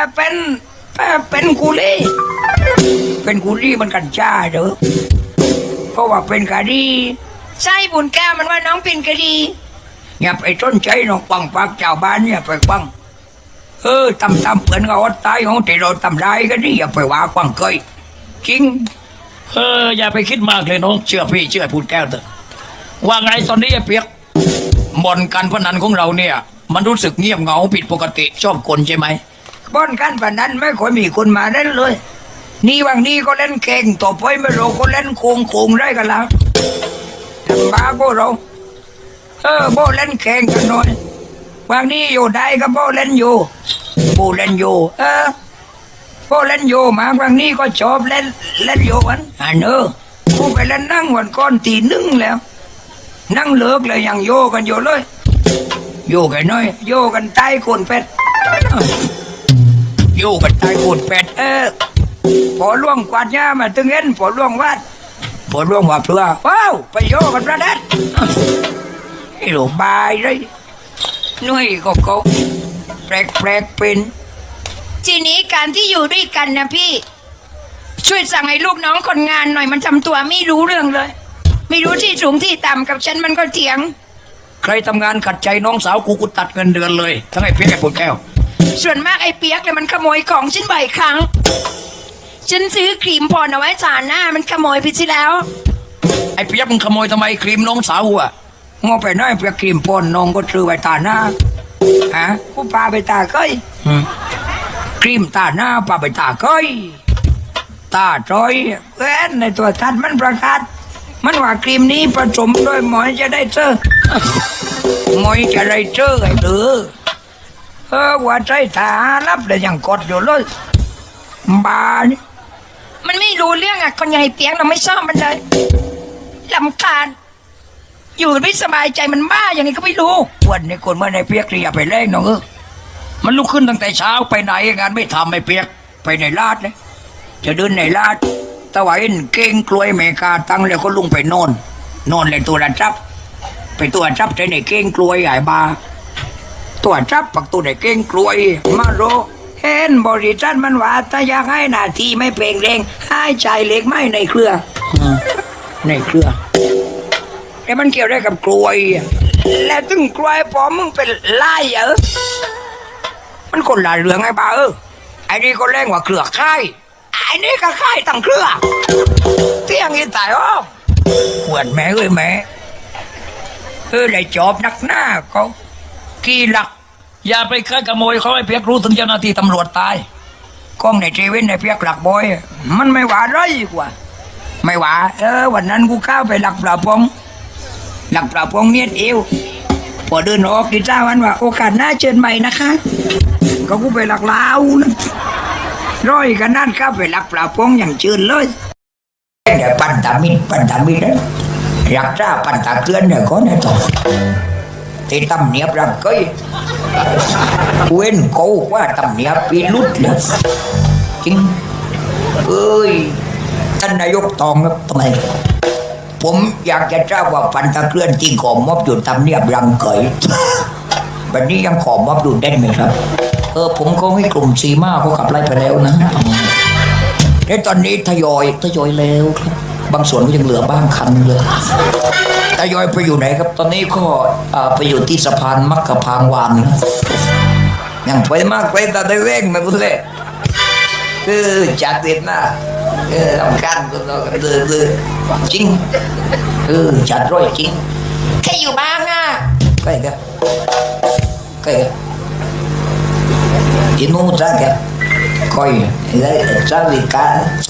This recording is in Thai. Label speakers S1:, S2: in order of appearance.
S1: เป็นกุลีมันกันจ้าเด้อเพราะว่าเป็นคดีใช่บุญแก้วมันว่าน้องเป็นคดีอย่าไปต้นใจน้องปังปากเจ้าบ้านเนี่ยไปปังตำเปิ่นก็อดตายของที่เราตำได้ก็นี่อย่าไปว่าปังเคยจริง
S2: อย่าไปคิดมากเลยน้องเชื่อพี่เชื่อพูดแก้วเถอะว่าไงตอนนี้ไอ้เปียกบ่อนการพนันของเราเนี่ยมันรู้สึกเงียบเหงาผิดปกติชอบคนใช่ไหม
S1: บ่อนการพนันไม่ค่อยมีคนมาเล่นเลยนี่วันนี้ก็เล่นเก่งต่อไปไม่รู้ก็เล่นโกงได้กันแล้วทำบ้าพวกเราโบเล่นแข่งกันหน่อยวันนี้อยู่ได้ก็โบเล่นอยู่โบเล่นอยู่โบเล่นอยู่มาวันนี้ก็ชอบเล่นอยู่วันกูไปเล่นนั่งวันก่อนตีหนึ่งแล้วนั่งเลิกเลยยังโยกันอยู่เลยโยกันน้อยโยกันใต้โคนเป็ดโยกันใต้โคนเป็ดพอล่วงกวาดหญ้ามาตึงเอ็นพอล่วงวัดพอล่วงว่าเพื่อว้าวไปโยกันประเด็ดไอ้หลูกบายเลยนุ่ยก็เขาแปลกเป็นทีนี้การที่อยู่ด้วยกันนะพี่ช่วยสั่งให้ลูกน้องคนงานหน่อยมันทำตัวไม่รู้เรื่องเลยไม่รู้ที่สูงที่ต่ำกับฉันมันก็เถียง
S2: ใครทำงานขัดใจน้องสาวกูตัดเงินเดือนเลยทั้งไอ้เปียกไอ้ปวดแก้ว
S1: ส่วนมากไอ้เปียกเลยมันขโมยของฉันบ่อยครั้งฉันซื้อครีมพรเอาไว้ทาหน้ามันขโมยไปสิแล้ว
S2: ไอ้เปียกมึงขโมยทำไมครีมน้องสาวอ่ะ
S1: งอไปน้อยเปียกครีมพรน้องก็ซื้อไว้ทาหน้ากูพาไปตาก้อยครีมตาหน้าพาไปตาก้อยตาจอยแว่นในตัวทัดมันประกาศมันว่าครีมนี้ผสมด้วยหมอยจะได้เจอหมอยจะได้เจอไอ้เด้อว่าใจตารับเลยยังกดอยู่เลยบ้านี่มันไม่รู้เรื่องอ่ะคนใหญ่เปียกเราไม่ชอบมันเลยลำคาญอยู่ไม่สบายใจมันบ้าอย่างนี้ก็ไม่รู้วันนี้คนเมื่อในเปียกอย่าไปเล่นน้อง
S2: มันลุกขึ้นตั้งแต่เช้าไปไหนงานไม่ทำไม่เปียก
S1: ไปในลาดเลยจะเดินในลาดตะวันเก่งกล้วยเมกาตั้งเลยก็ลุงไปนอนเลยตัวจับไปตัวจับใจในเก่งกล้วยใหญ่บาตัวจับปักตัวในเก่งกล้วยมาโรเห็นบริษัทมันว่าถ้าอยากให้หน้าที่ไม่เปล่งเร่งให้ใจเล็กไม่ในเครือแต่มันเกี่ยวได้กับกล้วยแล้วตึงกล้วยพอมึงเป็นไล่มันคนละเรื่องไอ้บ้าไอ้นี่ก็เร่งว่าเครือค่ายไอ้นี่ก็ค่ายตั้งเครือเที่ยงอีตายปวดแม่แม่ได้จอบนักหน้าเขากี่หลัก
S2: อย่าไปฆ่าขโมยเขาไอ้เปียกรู้ถึงเจ้าหน้าที่ตำรวจตาย
S1: กล้องในเจวินในเปียกหลักบอยมันไม่หวาไรกว่าไม่หวาวันนั้นกูเข้าไปหลักปลาพงเมียดเอวพอเดินออกกินจ้าวันว่าโอกาสหน้าเชิญใหม่นะคะก็กูไปหลักลาวนะร้อยกันนั่นเข้าไปหลักปลาพงอย่างเชิญเลยเดี๋ยวปันตามินนะอยากจ้าปันตาเกลือนเนี่ยก็ได้ต่อที่ตำเนียบรังก้อยเว้นกูว่าตำเนียบปีลุดเลยจริงท่านนายกตองครับทำไมผมอยากจะทราบว่าปันตะเกลื่อนที่ขอมอบอยู่ตำเนียบรังเกยแบบนี้ยังขอมอบอยู่ได้ไหมครับผมก็ให้กลุ่มซีมาเขาขับไล่ไปแล้วนะในตอนนี้ทยอยแล้วครับบางส่วนก็ยังเหลือบ้างคันเลยทยอยไปอยู่ไหนครับตอนนี้ก็ไปอยู่ที่สะพานมักกะพางวานยังไปมากไปแต่ได้เว้งมาพุ่งเลยจัดเด็ดนะลำคันก็จริงจัดร้อยจริงใครอยู่บ้างอ่ะใครกันที่นู้นจ้าแกคอยได้จ้าวิกา